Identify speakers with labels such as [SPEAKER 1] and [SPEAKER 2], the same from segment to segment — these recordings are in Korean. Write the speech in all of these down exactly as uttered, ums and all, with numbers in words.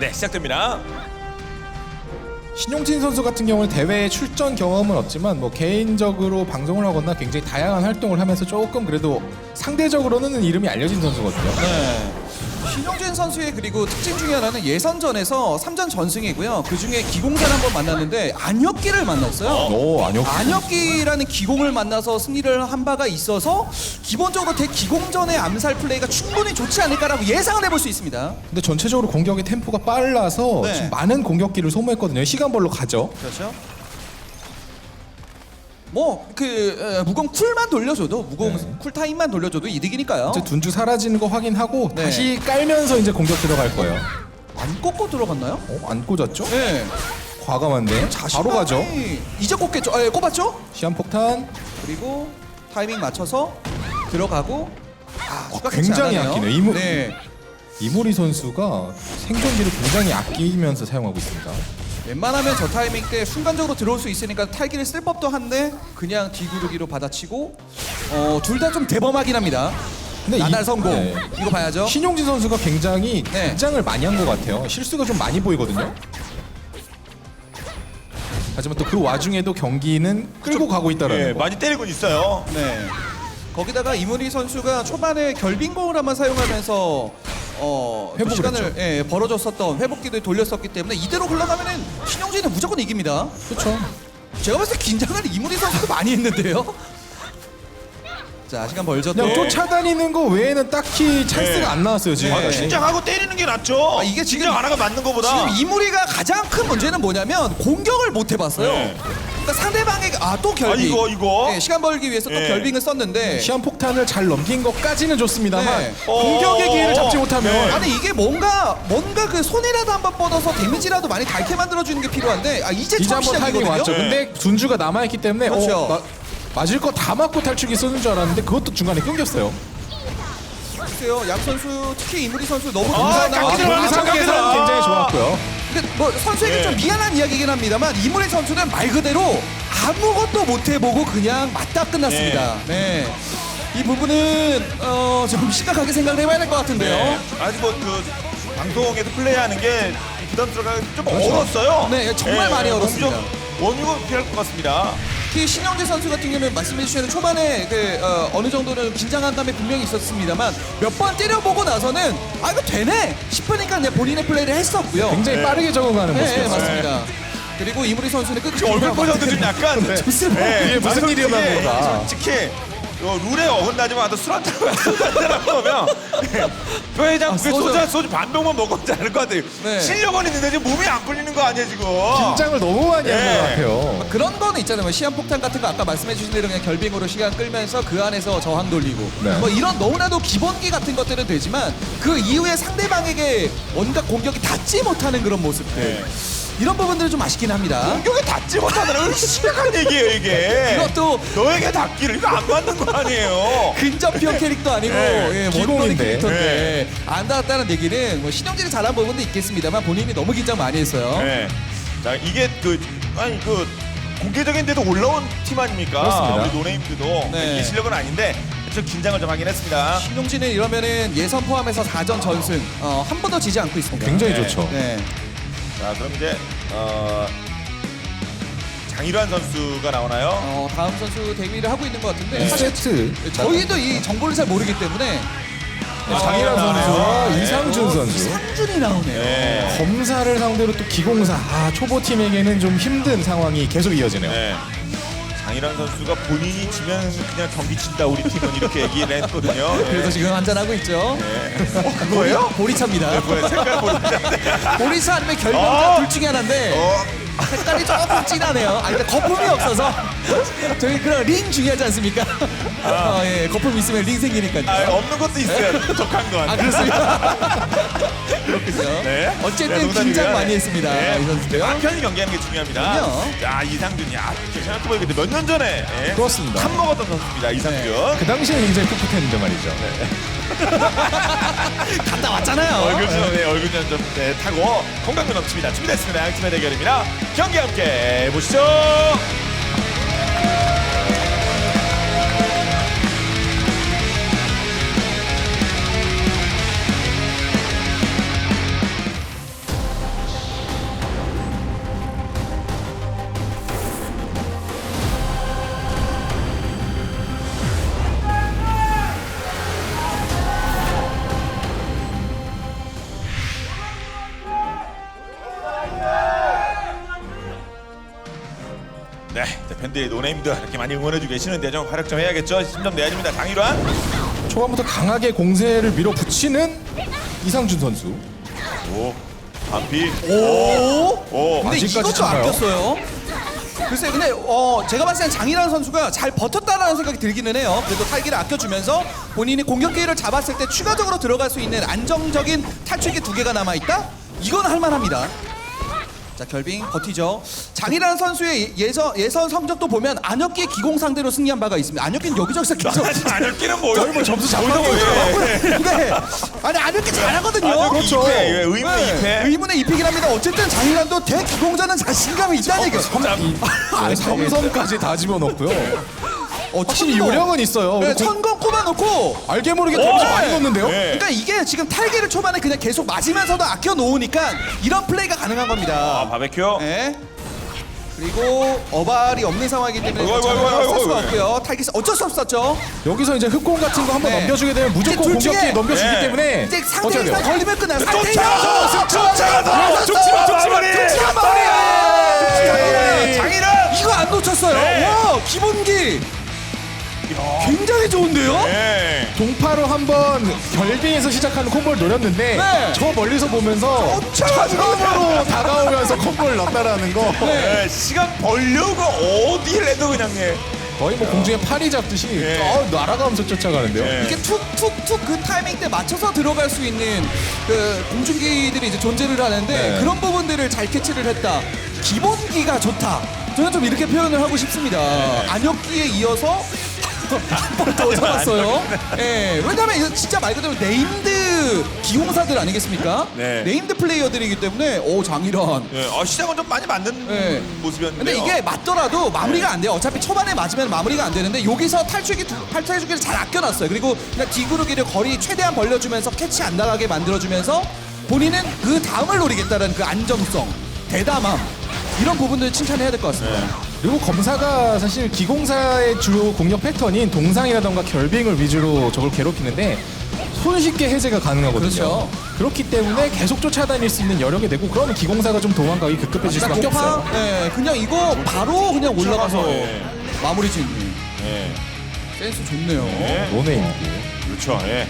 [SPEAKER 1] 네, 시작됩니다.
[SPEAKER 2] 신용진 선수 같은 경우는 대회 출전 경험은 없지만 뭐 개인적으로 방송을 하거나 굉장히 다양한 활동을 하면서 조금 그래도 상대적으로는 이름이 알려진 선수거든요.
[SPEAKER 3] 네. 신용진 선수의 그리고 특징 중에 하나는 예선전에서 삼 전 전승이고요. 그 중에 기공사를 한번 만났는데 안혁기를 만났어요.
[SPEAKER 2] 오, 아니요.
[SPEAKER 3] 안혁기라는 기공을 만나서 승리를 한 바가 있어서 기본적으로 대기공전의 암살 플레이가 충분히 좋지 않을까라고 예상을 해볼 수 있습니다.
[SPEAKER 2] 근데 전체적으로 공격의 템포가 빨라서
[SPEAKER 3] 네.
[SPEAKER 2] 좀 많은 공격기를 소모했거든요. 시간벌로 가죠.
[SPEAKER 3] 그렇죠. 뭐그 무공 쿨만 돌려줘도 무공
[SPEAKER 2] 네.
[SPEAKER 3] 쿨 타임만 돌려줘도 이득이니까요.
[SPEAKER 2] 이제 둔주 사라지는 거 확인하고
[SPEAKER 3] 네.
[SPEAKER 2] 다시 깔면서 이제 공격 들어갈 거예요.
[SPEAKER 3] 안 꺾고 들어갔나요?
[SPEAKER 2] 어, 안 꽂았죠?
[SPEAKER 3] 네.
[SPEAKER 2] 과감한데 바로 가죠.
[SPEAKER 3] 이제 꼽겠죠. 아, 예, 꼽았죠?
[SPEAKER 2] 시한폭탄.
[SPEAKER 3] 그리고 타이밍 맞춰서 들어가고. 아,
[SPEAKER 2] 어,
[SPEAKER 3] 추가
[SPEAKER 2] 굉장히
[SPEAKER 3] 캐치 안 하네요.
[SPEAKER 2] 아끼네요. 이모-
[SPEAKER 3] 네.
[SPEAKER 2] 이모리 선수가 생존기를 굉장히 아끼면서 사용하고 있습니다.
[SPEAKER 3] 웬만하면 저 타이밍 때 순간적으로 들어올 수 있으니까 탈기를 쓸 법도 한데 그냥 뒤구르기로 받아치고 어, 둘 다 좀 대범하긴 합니다.
[SPEAKER 2] 근데
[SPEAKER 3] 나날
[SPEAKER 2] 이-
[SPEAKER 3] 성공.
[SPEAKER 2] 네.
[SPEAKER 3] 이거 봐야죠.
[SPEAKER 2] 신용진 선수가 굉장히
[SPEAKER 3] 네.
[SPEAKER 2] 긴장을 많이 한 것 같아요. 실수가 좀 많이 보이거든요. 하지만 또 그 와중에도 경기는 끌고 가고 있다라는
[SPEAKER 1] 예,
[SPEAKER 2] 거.
[SPEAKER 1] 많이 때리고 있어요.
[SPEAKER 3] 네. 거기다가 이문희 선수가 초반에 결빙공을 한번 사용하면서 어, 또
[SPEAKER 2] 회복을
[SPEAKER 3] 시간을
[SPEAKER 2] 했죠.
[SPEAKER 3] 예, 벌어줬었던 회복기를 돌렸었기 때문에 이대로 흘러가면은 신용진은 무조건 이깁니다.
[SPEAKER 2] 그렇죠.
[SPEAKER 3] 제가 봤을 때 긴장을 이문희 선수도 많이 했는데요. 자, 시간 벌죠. 또.
[SPEAKER 2] 그냥 쫓아다니는 거 외에는 딱히 찬스가
[SPEAKER 1] 네.
[SPEAKER 2] 안 나왔어요 지금.
[SPEAKER 1] 아,
[SPEAKER 3] 네.
[SPEAKER 1] 긴장하고 때리는 게 낫죠.
[SPEAKER 3] 아, 이게 지금-
[SPEAKER 1] 긴장 안 하고 맞는 거보다.
[SPEAKER 3] 지금 이무리가 가장 큰 문제는 뭐냐면 공격을 못 해봤어요.
[SPEAKER 1] 네.
[SPEAKER 3] 그러니까 상대방에게 아 또 결빙.
[SPEAKER 1] 아, 이거, 이거.
[SPEAKER 3] 네, 시간 벌기 위해서 또
[SPEAKER 1] 네.
[SPEAKER 3] 결빙을 썼는데.
[SPEAKER 2] 시한폭탄을 잘 넘긴 것까지는 좋습니다만
[SPEAKER 3] 네.
[SPEAKER 2] 공격의
[SPEAKER 1] 어,
[SPEAKER 2] 기회를 잡지 못하면
[SPEAKER 1] 네.
[SPEAKER 3] 아니 이게 뭔가 뭔가 그 손이라도 한번 뻗어서 데미지라도 많이 닳게 만들어주는 게 필요한데 아 이제
[SPEAKER 2] 이제
[SPEAKER 3] 처음
[SPEAKER 2] 한번 타이밍
[SPEAKER 3] 시작이거든요.
[SPEAKER 2] 왔죠.
[SPEAKER 1] 네.
[SPEAKER 2] 근데 둔주가 남아있기 때문에
[SPEAKER 3] 그렇죠.
[SPEAKER 2] 어, 마- 맞을 거 다 맞고 탈출기 쓰는 줄 알았는데 그것도 중간에 끊겼어요.
[SPEAKER 3] 글쎄요, 양 선수 특히 이무리 선수 너무
[SPEAKER 1] 아,
[SPEAKER 3] 동사나
[SPEAKER 1] 깎이지
[SPEAKER 2] 아,
[SPEAKER 1] 마,
[SPEAKER 2] 본
[SPEAKER 1] 깎이지
[SPEAKER 2] 상황에서는
[SPEAKER 1] 마.
[SPEAKER 2] 굉장히 좋았고요.
[SPEAKER 3] 근데 뭐 선수에게
[SPEAKER 1] 네.
[SPEAKER 3] 좀 미안한 이야기긴 합니다만 이무리 선수는 말 그대로 아무것도 못 해보고 그냥 맞다 끝났습니다. 네. 이 부분은 어, 좀 심각하게 생각을 해봐야 될 것 같은데요.
[SPEAKER 1] 네. 아직 뭐그 방송에서 플레이하는 게 부담스러워 좀
[SPEAKER 2] 그렇죠.
[SPEAKER 1] 얼었어요.
[SPEAKER 3] 네, 정말 많이 얼었습니다.
[SPEAKER 1] 좀 원유가 필요할 것 같습니다.
[SPEAKER 3] 특히 신영재 선수 같은 경우는 말씀해 주신 초반에 그 어, 어느 정도는 긴장한 감이 분명히 있었습니다만 몇 번 때려보고 나서는 아 이거 되네 싶으니까 그냥 본인의 플레이를 했었고요.
[SPEAKER 2] 굉장히
[SPEAKER 1] 네.
[SPEAKER 2] 빠르게 적응하는
[SPEAKER 3] 네, 네,
[SPEAKER 2] 모습이었어요.
[SPEAKER 3] 맞습니다. 그리고 이무리 선수는 끝까지
[SPEAKER 1] 지금 얼굴 표정도 좀 약간
[SPEAKER 2] 네.
[SPEAKER 3] 좋습니다.
[SPEAKER 2] 이게 무슨
[SPEAKER 1] 솔직히,
[SPEAKER 2] 일이었나 보다.
[SPEAKER 1] 솔직히 어, 룰에 어긋나지만 또 술 한잔 하면 회장
[SPEAKER 3] 아,
[SPEAKER 1] 그
[SPEAKER 3] 소주.
[SPEAKER 1] 소주 소주 반 병만 먹었지 않을 것 같아요.
[SPEAKER 3] 네.
[SPEAKER 1] 실력은 있는데 지금 몸이 안 풀리는 거 아니야 지금?
[SPEAKER 2] 긴장을 너무 많이 한
[SPEAKER 1] 네.
[SPEAKER 2] 것 같아요.
[SPEAKER 3] 그런 거는 있잖아요. 뭐 시한폭탄 같은 거 아까 말씀해 주신 대로 그냥 결빙으로 시간 끌면서 그 안에서 저항 돌리고
[SPEAKER 2] 네.
[SPEAKER 3] 뭐 이런 너무나도 기본기 같은 것들은 되지만 그 이후에 상대방에게 뭔가 공격이 닿지 못하는 그런 모습들
[SPEAKER 1] 네.
[SPEAKER 3] 이런 부분들은 좀 아쉽긴 합니다.
[SPEAKER 1] 공격에 닿지 못하다는 심각한 얘기예요 이게.
[SPEAKER 3] 그것도
[SPEAKER 1] 너에게 닿기를 이거 안 맞는 거 아니에요?
[SPEAKER 3] 근접형 캐릭터 아니고
[SPEAKER 1] 네,
[SPEAKER 3] 예, 원거리
[SPEAKER 2] 기공인데.
[SPEAKER 3] 캐릭터인데 안 닿았다는 얘기는 뭐 신영진이 잘한 부분도 있겠습니다만 본인이 너무 긴장 많이 했어요.
[SPEAKER 1] 네. 자 이게 그 아니 그 공개적인데도 올라온 팀 아닙니까?
[SPEAKER 2] 그렇습니다.
[SPEAKER 1] 우리 노네임들도
[SPEAKER 3] 네.
[SPEAKER 1] 이게 실력은 아닌데 좀 긴장을 좀 하긴 했습니다.
[SPEAKER 3] 신영진은 이러면은 예선 포함해서 사 전 전승 어, 한 번도 지지 않고 있습니다.
[SPEAKER 2] 굉장히
[SPEAKER 1] 네.
[SPEAKER 2] 좋죠.
[SPEAKER 3] 네.
[SPEAKER 1] 자 그럼 이제 어, 장일환 선수가 나오나요?
[SPEAKER 3] 어, 다음 선수 데뷔를 하고 있는 것 같은데
[SPEAKER 2] 이
[SPEAKER 3] 사실
[SPEAKER 2] 세트
[SPEAKER 3] 저희도 이 정보를 잘 모르기 때문에
[SPEAKER 2] 장일환 선수와
[SPEAKER 1] 네.
[SPEAKER 2] 이상준 선수
[SPEAKER 3] 이상준이 나오네요.
[SPEAKER 1] 네.
[SPEAKER 2] 검사를 상대로 또 기공사 아, 초보 팀에게는 좀 힘든 상황이 계속 이어지네요.
[SPEAKER 1] 네. 장일환 선수가 본인이 지면 그냥 경기 친다 우리 팀은 이렇게 얘기를 했거든요. 네.
[SPEAKER 3] 그래서 지금 한잔 하고 있죠.
[SPEAKER 1] 네. 어, 그거예요?
[SPEAKER 3] 보리차입니다.
[SPEAKER 1] 뭐야 색깔 모르겠는데.
[SPEAKER 3] 보리차 아니면 결명자
[SPEAKER 1] 어.
[SPEAKER 3] 둘 중에 하나인데
[SPEAKER 1] 어.
[SPEAKER 3] 색깔이 조금 진하네요. 아니 근데 거품이 없어서 저희 그런 링 중요하지 않습니까? 어, 예, 거품 있으면 링 생기니까요.
[SPEAKER 1] 아, 없는 것도 있어요. 독한 건.
[SPEAKER 3] 아 그렇습니다. 그렇군요.
[SPEAKER 1] 네.
[SPEAKER 3] 어쨌든
[SPEAKER 1] 네, 농담이고요.
[SPEAKER 3] 긴장 많이 했습니다.
[SPEAKER 1] 네.
[SPEAKER 3] 이 선수도요.
[SPEAKER 1] 아, 편히 경기하는 게 중요합니다.
[SPEAKER 3] 그럼요.
[SPEAKER 1] 자 이상준이 아 생각해보니까 몇 년 전에 예,
[SPEAKER 2] 그렇습니다.
[SPEAKER 1] 탑 먹었던 선수입니다. 이상준.
[SPEAKER 3] 네.
[SPEAKER 2] 그 당시에 굉장히 풋풋했는데 말이죠.
[SPEAKER 3] 갔다 왔잖아요.
[SPEAKER 1] 얼굴 네, 얼굴 좀 네, 타고 건강도 넘칩니다. 준비됐습니다. 양팀의 대결입니다. 경기 함께 보시죠. 분들이 노네임들 이렇게 많이 응원해주고 계시는데 좀 활약 좀 해야겠죠. 심점 내야 됩니다. 장일환.
[SPEAKER 2] 초반부터 강하게 공세를 밀어붙이는 이상준 선수.
[SPEAKER 1] 오, 반피.
[SPEAKER 3] 오.
[SPEAKER 1] 오,
[SPEAKER 3] 근데
[SPEAKER 2] 아직까지
[SPEAKER 3] 이것도
[SPEAKER 2] 참아요.
[SPEAKER 3] 아꼈어요. 글쎄, 근데 어 제가 봤을 땐 장이라는 선수가 잘 버텼다라는 생각이 들기는 해요. 그래도 탈기를 아껴주면서 본인이 공격 기회를 잡았을 때 추가적으로 들어갈 수 있는 안정적인 탈출기 두 개가 남아 있다. 이건 할만합니다. 자, 결빙 버티죠. 장이라는 선수의 예선 예선 성적도 보면 안혁기의 기공 상대로 승리한 바가 있습니다. 안혁기는 여기저기서 계속
[SPEAKER 1] 안혁기는 뭐예요?
[SPEAKER 2] 저희 뭐 점수
[SPEAKER 1] 뭐예요?
[SPEAKER 2] 잡았어요.
[SPEAKER 3] 네. 아니 안혁기 잘하거든요.
[SPEAKER 1] 그렇죠. 의문의 이 패.
[SPEAKER 3] 의문의 이 픽이랍니다. 어쨌든 장일란도 대기공자는 자신감이 있다는 얘기.
[SPEAKER 2] 아, 삼성까지 다 집어넣고요.
[SPEAKER 3] 어,
[SPEAKER 2] 확실히
[SPEAKER 3] 천공.
[SPEAKER 2] 요령은 있어요.
[SPEAKER 3] 네,
[SPEAKER 2] 공-
[SPEAKER 3] 천공 꼽아놓고.
[SPEAKER 2] 알게 모르게 데미지 많이 넣는데요.
[SPEAKER 1] 네.
[SPEAKER 3] 그러니까 이게 지금 탈기를 초반에 그냥 계속 맞으면서도 아껴 놓으니까 이런 플레이가 가능한
[SPEAKER 1] 아,
[SPEAKER 3] 겁니다.
[SPEAKER 1] 바베큐.
[SPEAKER 3] 네. 그리고 어발이 없는 상황이기 때문에
[SPEAKER 1] 어이구, 어이구, 어이구,
[SPEAKER 3] 쓸 수가
[SPEAKER 1] 어이구.
[SPEAKER 3] 없고요. 탈기 어쩔 수 없었죠.
[SPEAKER 2] 여기서 이제 흑공 같은 거 한번
[SPEAKER 3] 네.
[SPEAKER 2] 넘겨주게 되면 무조건
[SPEAKER 3] 이제 둘 중에-
[SPEAKER 2] 공격기에 넘겨주기
[SPEAKER 1] 네.
[SPEAKER 2] 때문에
[SPEAKER 3] 이제 상대
[SPEAKER 2] 어떻게 돼요?
[SPEAKER 3] 이상 걸리면 끝나요.
[SPEAKER 1] 쫓아가서 쫓아가서
[SPEAKER 2] 쫓지마, 쫓지마.
[SPEAKER 1] 마무리.
[SPEAKER 3] 쫓지마
[SPEAKER 1] 네. 장일환.
[SPEAKER 3] 이거 안 놓쳤어요.
[SPEAKER 1] 네.
[SPEAKER 3] 와, 기본기 굉장히 좋은데요?
[SPEAKER 1] 네.
[SPEAKER 2] 동파로 한번 결빙에서 시작하는 콤보를 노렸는데
[SPEAKER 3] 네.
[SPEAKER 2] 저 멀리서 보면서 천검으로 다가오면서 콤보를 넣었다라는 거
[SPEAKER 1] 네. 시간 벌려고 어디를 해도 그냥 예.
[SPEAKER 2] 거의 뭐 공중에 파리 잡듯이
[SPEAKER 1] 네.
[SPEAKER 2] 어, 날아가면서 쫓아가는데요.
[SPEAKER 1] 네.
[SPEAKER 3] 이렇게 툭툭툭 그 타이밍 때 맞춰서 들어갈 수 있는 그 공중기들이 이제 존재를 하는데
[SPEAKER 2] 네.
[SPEAKER 3] 그런 부분들을 잘 캐치를 했다. 기본기가 좋다. 저는 좀 이렇게 표현을 하고 싶습니다. 안혁기에 이어서 한 번 더 잡았어요. 예, 왜냐면 이거 진짜 말 그대로 네임드 기용사들 아니겠습니까?
[SPEAKER 1] 네.
[SPEAKER 3] 네임드 플레이어들이기 때문에 오 장일환.
[SPEAKER 1] 예. 어, 시작은 좀 많이 맞는
[SPEAKER 3] 네.
[SPEAKER 1] 모습이었는데.
[SPEAKER 3] 근데 이게 맞더라도 마무리가 안 돼요. 어차피 초반에 맞으면 마무리가 안 되는데 여기서 탈출기 두, 탈출기를 잘 아껴놨어요. 그리고 그냥 뒤구르기를 거리 최대한 벌려주면서 캐치 안 나가게 만들어주면서 본인은 그 다음을 노리겠다는 그 안정성, 대담함 이런 부분들 칭찬해야 될 것 같습니다.
[SPEAKER 1] 네.
[SPEAKER 2] 그리고 검사가 사실 기공사의 주요 공격 패턴인 동상이라던가 결빙을 위주로 적을 괴롭히는데 손쉽게 해제가 가능하거든요.
[SPEAKER 3] 그렇죠.
[SPEAKER 2] 그렇기 때문에 계속 쫓아다닐 수 있는 여력이 되고 그러면 기공사가 좀 도망가기 급급해질 수밖에
[SPEAKER 3] 도파,
[SPEAKER 2] 없어요.
[SPEAKER 3] 예, 그냥 이거 바로 그냥 올라가서
[SPEAKER 1] 예.
[SPEAKER 3] 마무리 짓는
[SPEAKER 1] 예.
[SPEAKER 3] 센스 좋네요.
[SPEAKER 1] 예.
[SPEAKER 2] 노네임.
[SPEAKER 1] 그렇죠. 예.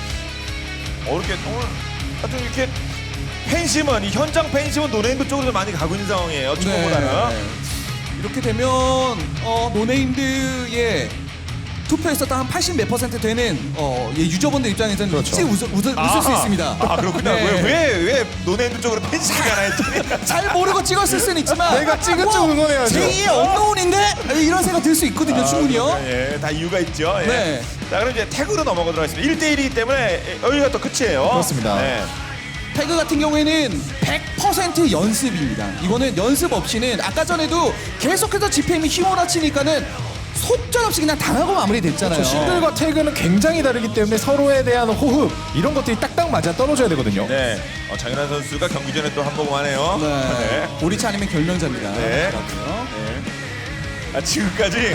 [SPEAKER 1] 어, 이렇게 오늘 하여튼 이렇게 팬심은 이 현장 팬심은 노네임드 쪽으로 많이 가고 있는 상황이에요. 초보보다는.
[SPEAKER 3] 네. 이렇게 되면 어, 노네임드의 투표했었던 한 팔십 몇 퍼센트 되는 어, 예, 유저분들 입장에서는
[SPEAKER 2] 그렇죠.
[SPEAKER 3] 일찍 웃을, 웃을, 웃을 수
[SPEAKER 1] 아하.
[SPEAKER 3] 있습니다.
[SPEAKER 1] 아 그렇군요.
[SPEAKER 3] 네.
[SPEAKER 1] 왜왜왜 노네임드 쪽으로 팬심이 가나 했더니.
[SPEAKER 3] 잘 모르고 찍었을 수는 있지만
[SPEAKER 2] 내가 찍은 쪽 응원해야죠.
[SPEAKER 3] 제이의 언노운인데 이런 생각 들 수 있거든요. 충분히요.
[SPEAKER 1] 예, 다 이유가 있죠. 예.
[SPEAKER 3] 네.
[SPEAKER 1] 자, 그럼 이제 태그로 넘어가도록 하겠습니다. 일 대 일이기 때문에 여기가 또 끝이에요.
[SPEAKER 2] 그렇습니다.
[SPEAKER 1] 네.
[SPEAKER 3] 태그 같은 경우에는 백 퍼센트 연습입니다. 이거는 연습 없이는 아까 전에도 계속해서 지피엠이 휘몰아치니까는 속절없이 그냥 당하고 마무리됐잖아요.
[SPEAKER 2] 저 싱글과 태그는 굉장히 다르기 때문에 서로에 대한 호흡 이런 것들이 딱딱 맞아 떨어져야 되거든요.
[SPEAKER 1] 네. 어, 장윤환 선수가 경기 전에 또 한 모금 하네요.
[SPEAKER 3] 네. 오리차 아니면 결명자입니다.
[SPEAKER 1] 네.
[SPEAKER 3] 그렇고요.
[SPEAKER 1] 네. 아, 지금까지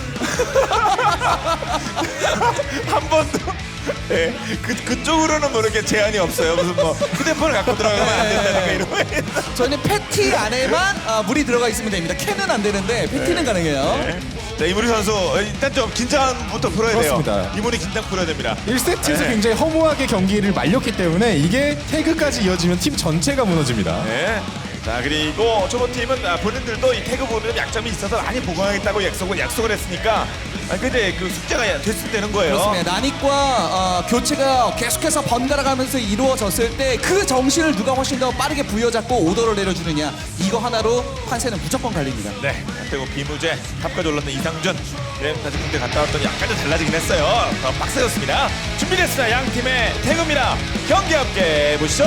[SPEAKER 1] 한 번도 네. 그, 그쪽으로는 뭐 이렇게 제한이 없어요. 무슨 뭐 휴대폰을 갖고 들어가면 안 된다니까 이러면.
[SPEAKER 3] 저희는 패티 안에만 아, 물이 들어가 있으면 됩니다. 캔은 안 되는데 패티는 가능해요.
[SPEAKER 1] 네. 자, 이문희 선수 어, 일단 좀 긴장부터 풀어야
[SPEAKER 2] 그렇습니다.
[SPEAKER 1] 돼요. 이문희 긴장 풀어야 됩니다.
[SPEAKER 2] 일 세트에서
[SPEAKER 1] 네.
[SPEAKER 2] 굉장히 허무하게 경기를 말렸기 때문에 이게 태그까지 이어지면 팀 전체가 무너집니다.
[SPEAKER 1] 네. 자, 그리고 초보 팀은 아, 본인들도 이 태그 부분에 약점이 있어서 많이 보강하겠다고 약속을 약속을 했으니까 아, 근데 그 숙제가 됐을 때는 거예요.
[SPEAKER 3] 그렇습니다. 나닉과 어, 교체가 계속해서 번갈아가면서 이루어졌을 때 그 정신을 누가 훨씬 더 빠르게 부여잡고 오더를 내려주느냐 이거 하나로 판세는 무조건 갈립니다.
[SPEAKER 1] 네. 그리고 비무제 탑까지 올랐던 이상준 네, 다시 군대 갔다 왔더니 약간 좀 달라지긴 했어요. 더 빡세졌습니다. 준비됐습니다. 양 팀의 태그입니다. 경기 함께 보시죠.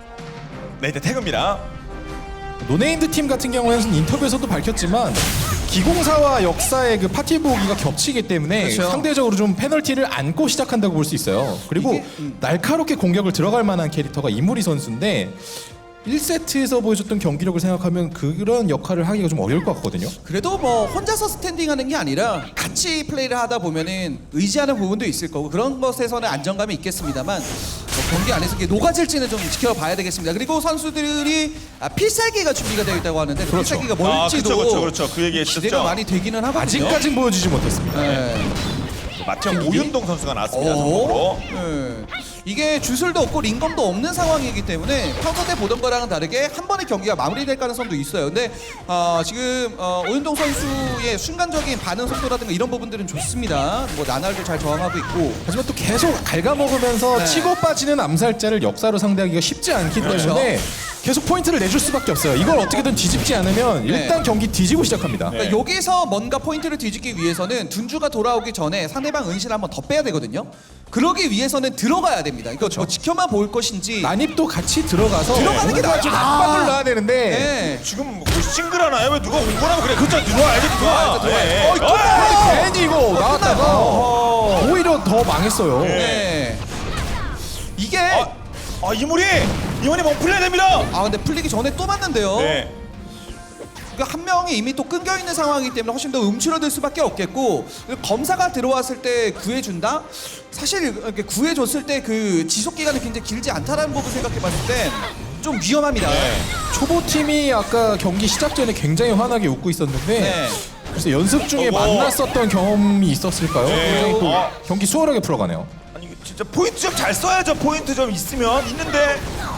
[SPEAKER 1] 네, 이제 태그입니다.
[SPEAKER 2] 노네임드 팀 같은 경우에는 인터뷰에서도 밝혔지만 기공사와 역사의 그 파티 보기가 겹치기 때문에
[SPEAKER 3] 그렇죠.
[SPEAKER 2] 상대적으로 좀 페널티를 안고 시작한다고 볼 수 있어요. 그리고
[SPEAKER 3] 이게, 음.
[SPEAKER 2] 날카롭게 공격을 들어갈 만한 캐릭터가 이무리 선수인데 일 세트에서 보여줬던 경기력을 생각하면 그런 역할을 하기가 좀 어려울 것 같거든요.
[SPEAKER 3] 그래도 뭐 혼자서 스탠딩하는 게 아니라 같이 플레이를 하다 보면은 의지하는 부분도 있을 거고 그런 것에서는 안정감이 있겠습니다만 뭐 경기 안에서 이게 녹아질지는 좀 지켜봐야 되겠습니다. 그리고 선수들이 아, 필살기가 준비가 되어 있다고 하는데 그
[SPEAKER 2] 그렇죠.
[SPEAKER 3] 필살기가
[SPEAKER 1] 아,
[SPEAKER 3] 뭘지도
[SPEAKER 1] 그렇죠, 그렇죠, 그렇죠. 그 얘기
[SPEAKER 3] 기대가
[SPEAKER 1] 했었죠.
[SPEAKER 3] 많이 되기는 하거든요.
[SPEAKER 2] 아직까진 보여주지 못했습니다.
[SPEAKER 3] 네.
[SPEAKER 1] 마침 오윤동 선수가 나왔습니다.
[SPEAKER 3] 오.
[SPEAKER 1] 선수로.
[SPEAKER 3] 네. 이게 주술도 없고 링검도 없는 상황이기 때문에 평소 때 보던 거랑은 다르게 한 번의 경기가 마무리될 가능성도 있어요. 근데 어, 지금 어, 오윤동 선수의 순간적인 반응 속도라든가 이런 부분들은 좋습니다. 뭐 나날도 잘 저항하고 있고.
[SPEAKER 2] 하지만 또 계속 갉아먹으면서
[SPEAKER 3] 네.
[SPEAKER 2] 치고 빠지는 암살자를 역사로 상대하기가 쉽지 않기
[SPEAKER 3] 그렇죠.
[SPEAKER 2] 때문에 계속 포인트를 내줄 수밖에 없어요. 이걸 어떻게든 뒤집지 않으면
[SPEAKER 3] 네.
[SPEAKER 2] 일단 경기 뒤지고 시작합니다.
[SPEAKER 1] 네.
[SPEAKER 3] 그러니까 여기서 뭔가 포인트를 뒤집기 위해서는 둔주가 돌아오기 전에 상대방 은신을 한번 더 빼야 되거든요. 그러기 위해서는 들어가야 됩니다. 이거 뭐 지켜만 볼 것인지.
[SPEAKER 2] 난입도 같이 들어가서
[SPEAKER 3] 들어가는 게
[SPEAKER 2] 뭔가
[SPEAKER 3] 나아요.
[SPEAKER 2] 좀
[SPEAKER 3] 아.
[SPEAKER 2] 압박을 넣어야 되는데
[SPEAKER 3] 네.
[SPEAKER 1] 지금 뭐 싱글하나요? 왜 누가 온 거라고 그래? 그렇죠. 들어와야지 들어와.
[SPEAKER 3] 들어와야죠,
[SPEAKER 1] 예.
[SPEAKER 3] 들어와야죠.
[SPEAKER 1] 어,
[SPEAKER 3] 어,
[SPEAKER 2] 괜히 이거 나왔다가 오히려 더 망했어요.
[SPEAKER 3] 네. 이게
[SPEAKER 1] 아, 아 이물이 이물이 뭐 풀려야 됩니다.
[SPEAKER 3] 아 근데 풀리기 전에 또 맞는데요.
[SPEAKER 1] 네.
[SPEAKER 3] 그러니까 한 명이 이미 또 끊겨 있는 상황이기 때문에 훨씬 더 움츠러들 수밖에 없겠고 검사가 들어왔을 때 구해준다? 사실 이렇게 구해줬을 때 그 지속 기간이 굉장히 길지 않다라는 부분 생각해봤을 때 좀 위험합니다.
[SPEAKER 1] 네.
[SPEAKER 2] 초보팀이 아까 경기 시작 전에 굉장히 환하게 웃고 있었는데
[SPEAKER 3] 네.
[SPEAKER 2] 그래서 연습 중에
[SPEAKER 1] 어머.
[SPEAKER 2] 만났었던 경험이 있었을까요?
[SPEAKER 1] 네.
[SPEAKER 2] 굉장히 또
[SPEAKER 1] 어.
[SPEAKER 2] 경기 수월하게 풀어가네요.
[SPEAKER 1] 아니 이거 진짜 포인트 좀 잘 써야죠. 포인트 좀 있으면 있는데.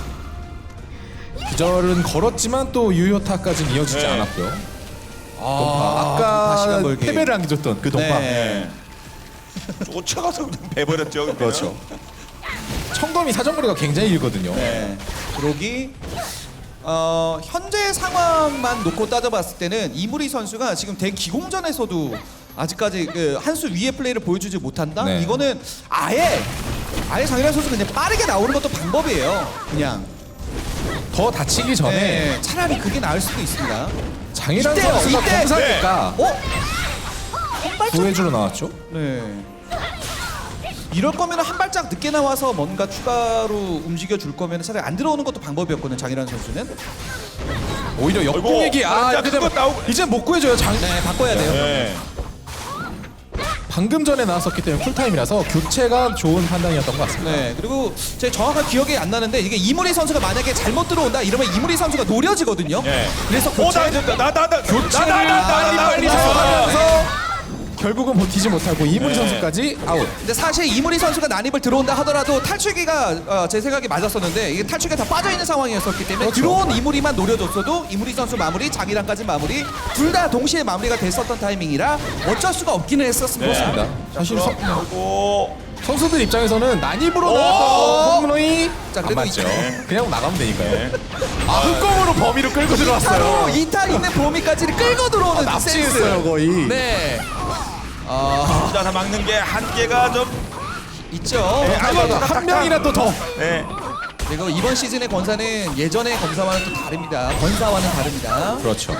[SPEAKER 2] 기절은 걸었지만 또 유효타까지는 이어지지
[SPEAKER 1] 네.
[SPEAKER 2] 않았고요.
[SPEAKER 3] 아,
[SPEAKER 2] 아까
[SPEAKER 3] 시간 벌기.
[SPEAKER 2] 패배를 안겨줬던 그 동파.
[SPEAKER 3] 네.
[SPEAKER 1] 쫓아가서 그냥 배버렸죠. 그때는.
[SPEAKER 2] 그렇죠. 청검이 사정거리가 굉장히 길거든요.
[SPEAKER 3] 네. 그러기 어, 현재 상황만 놓고 따져봤을 때는 이무리 선수가 지금 대 기공전에서도 아직까지 그 한 수 위의 플레이를 보여주지 못한다.
[SPEAKER 2] 네.
[SPEAKER 3] 이거는 아예 아예 장일환 선수 그냥 빠르게 나오는 것도 방법이에요. 그냥
[SPEAKER 2] 더 다치기 전에
[SPEAKER 3] 네, 차라리 그게 나을 수도 있습니다.
[SPEAKER 2] 장일환
[SPEAKER 3] 이때요,
[SPEAKER 2] 선수가
[SPEAKER 3] 이때.
[SPEAKER 2] 검사니까
[SPEAKER 3] 어? 한 발짝.
[SPEAKER 2] 구해주러 나왔죠.
[SPEAKER 3] 네. 이럴 거면 한 발짝 늦게 나와서 뭔가 추가로 움직여 줄 거면 차라리 안 들어오는 것도 방법이었거든요. 장일환 선수는.
[SPEAKER 2] 오히려 역공얘기 아
[SPEAKER 1] 진짜
[SPEAKER 2] 이렇게 되면
[SPEAKER 1] 그거 나오고-
[SPEAKER 2] 이제 못 구해줘요. 장
[SPEAKER 3] 네, 바꿔야 돼요.
[SPEAKER 1] 네.
[SPEAKER 2] 방금 전에 나왔었기 때문에 쿨타임이라서 교체가 좋은 판단이었던 것 같습니다.
[SPEAKER 3] 네, 그리고 제 정확한 기억이 안 나는데 이게 이무리 선수가 만약에 잘못 들어온다 이러면 이무리 선수가 노려지거든요.
[SPEAKER 1] 네.
[SPEAKER 3] 그래서
[SPEAKER 1] 어,
[SPEAKER 3] 교체
[SPEAKER 1] 나, 나, 나, 나, 나,
[SPEAKER 2] 교체를
[SPEAKER 1] 나, 나, 나, 나,
[SPEAKER 2] 빨리
[SPEAKER 1] 나,
[SPEAKER 2] 빨리
[SPEAKER 1] 나, 나,
[SPEAKER 2] 사용하면서 결국은 버티지 못하고 이무리
[SPEAKER 1] 네.
[SPEAKER 2] 선수까지 아웃.
[SPEAKER 3] 근데 사실 이무리 선수가 난입을 들어온다 하더라도 탈출기가 어, 제 생각에 맞았었는데 이게 탈출기가 다 빠져 있는 상황이었었기 때문에
[SPEAKER 2] 그렇죠.
[SPEAKER 3] 들어온 이무리만 노려줬어도 이무리 선수 마무리, 장이랑까지 마무리 둘 다 동시에 마무리가 됐었던 타이밍이라 어쩔 수가 없기는 했었습니다.
[SPEAKER 2] 그렇습니다. 사실 서,
[SPEAKER 1] 그리고
[SPEAKER 2] 선수들 입장에서는 난입으로
[SPEAKER 3] 오!
[SPEAKER 2] 나왔던 홈런이
[SPEAKER 3] 자,
[SPEAKER 2] 안
[SPEAKER 3] 그래도
[SPEAKER 2] 맞죠.
[SPEAKER 3] 이-
[SPEAKER 2] 그냥 나가면 되니까요. 아 흑검으로 범위로 끌고
[SPEAKER 3] 이타로
[SPEAKER 2] 들어왔어요.
[SPEAKER 3] 이타 있는 범위까지를 끌고 들어오는
[SPEAKER 2] 아,
[SPEAKER 3] 그 센스.
[SPEAKER 2] 납치했어요 거의.
[SPEAKER 3] 네. 아
[SPEAKER 1] 혼자서 막는 게 한계가 좀.
[SPEAKER 3] 있죠.
[SPEAKER 1] 네,
[SPEAKER 2] 한,
[SPEAKER 1] 아이고,
[SPEAKER 2] 한 명이라도 더.
[SPEAKER 1] 네.
[SPEAKER 3] 그리고 이번 시즌의 권사는 예전의 검사와는 또 다릅니다. 권사와는 다릅니다.
[SPEAKER 2] 그렇죠.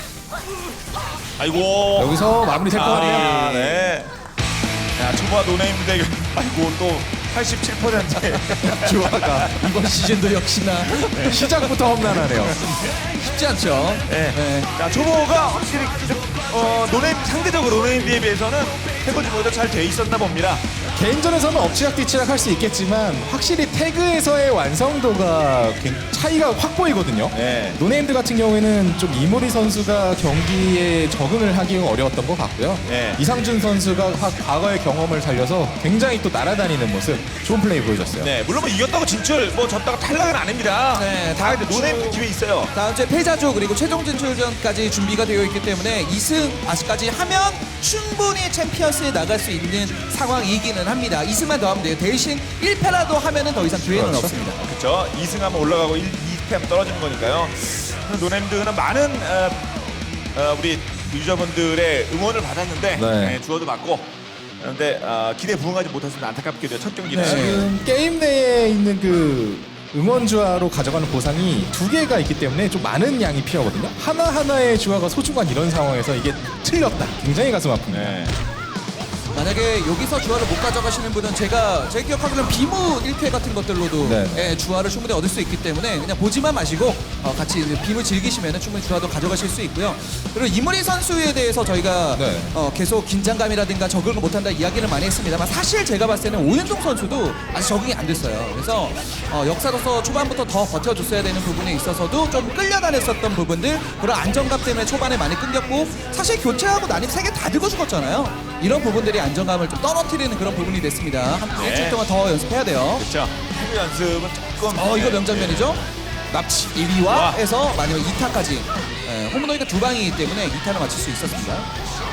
[SPEAKER 1] 아이고.
[SPEAKER 2] 여기서 마무리될 것
[SPEAKER 1] 아,
[SPEAKER 2] 같네요.
[SPEAKER 1] 네. 야, 초보와 노네임 대결. 아이고 또 팔십칠 퍼센트의
[SPEAKER 2] 주화가
[SPEAKER 3] 이번 시즌도 역시나
[SPEAKER 2] 시작부터 험난하네요.
[SPEAKER 3] 쉽지 않죠.
[SPEAKER 1] 네.
[SPEAKER 3] 네.
[SPEAKER 1] 자, 초보가 확실히 좀, 어, 노네임 상대적으로 노네임비에 비해서는 해보지 못해도 잘 돼 있었나 봅니다.
[SPEAKER 2] 개인전에서는 엎치락뒤치락 할 수 있겠지만 확실히 태그에서의 완성도가 굉- 차이가 확 보이거든요.
[SPEAKER 1] 네.
[SPEAKER 2] 노네임드 같은 경우에는 좀 이모리 선수가 경기에 적응을 하기가 어려웠던 것 같고요.
[SPEAKER 1] 네.
[SPEAKER 2] 이상준 선수가 화- 과거의 경험을 살려서 굉장히 또 날아다니는 모습 좋은 플레이 보여줬어요.
[SPEAKER 1] 네, 물론 뭐 이겼다고 진출, 뭐 졌다고 탈락은 아닙니다.
[SPEAKER 3] 네,
[SPEAKER 1] 다 이제
[SPEAKER 3] 다음
[SPEAKER 1] 노네임
[SPEAKER 3] 주-
[SPEAKER 1] 기회 있어요.
[SPEAKER 3] 다음 주에 패자조 그리고 최종 진출전까지 준비가 되어 있기 때문에 이 승 아직까지 하면 충분히 챔피언스에 나갈 수 있는 상황이기는 합니다. 이 승만 더 하면 돼요. 대신 일 패라도 하면은 더 이상 기회는
[SPEAKER 2] 그렇죠.
[SPEAKER 3] 없습니다.
[SPEAKER 1] 그렇죠. 이 승하면 올라가고 일, 이 패하면 떨어지는 거니까요. 노네임드는 많은 어, 어, 우리 유저분들의 응원을 받았는데
[SPEAKER 2] 네.
[SPEAKER 1] 네, 주어도 받고 그런데 어, 기대 부응하지 못했습니다. 안타깝게도 첫 경기는.
[SPEAKER 3] 네.
[SPEAKER 2] 지금 게임 내에 있는 그 응원 주화로 가져가는 보상이 두 개가 있기 때문에 좀 많은 양이 필요하거든요. 하나하나의 주화가 소중한 이런 상황에서 이게 틀렸다. 굉장히 가슴 아픕니다.
[SPEAKER 1] 네.
[SPEAKER 3] 만약에 여기서 주화를 못 가져가시는 분은 제가 제 기억하기로는 비무 일 회 같은 것들로도
[SPEAKER 2] 네.
[SPEAKER 3] 예, 주화를 충분히 얻을 수 있기 때문에 그냥 보지만 마시고 어, 같이 이제 비무 즐기시면 충분히 주화도 가져가실 수 있고요. 그리고 이무리 선수에 대해서 저희가
[SPEAKER 2] 네.
[SPEAKER 3] 어, 계속 긴장감이라든가 적응을 못한다 이야기를 많이 했습니다만 사실 제가 봤을 때는 오윤종 선수도 아직 적응이 안 됐어요. 그래서 어, 역사로서 초반부터 더 버텨줬어야 되는 부분에 있어서도 좀 끌려다녔었던 부분들 그런 안정감 때문에 초반에 많이 끊겼고 사실 교체하고 난입 세 개 다 들고 죽었잖아요. 이런 부분들이 안정감을 좀 떨어뜨리는 그런 부분이 됐습니다. 한
[SPEAKER 1] 네.
[SPEAKER 3] 일주일 동안 더 연습해야 돼요.
[SPEAKER 1] 그렇죠. 피부 연습은 조금.
[SPEAKER 3] 어 이거
[SPEAKER 1] 네.
[SPEAKER 3] 명장면이죠. 납치 일 위와
[SPEAKER 1] 와.
[SPEAKER 3] 해서 마지막 이 타까지 홈런이가 두 방이기 때문에 이 타를 맞출 수 있었습니다.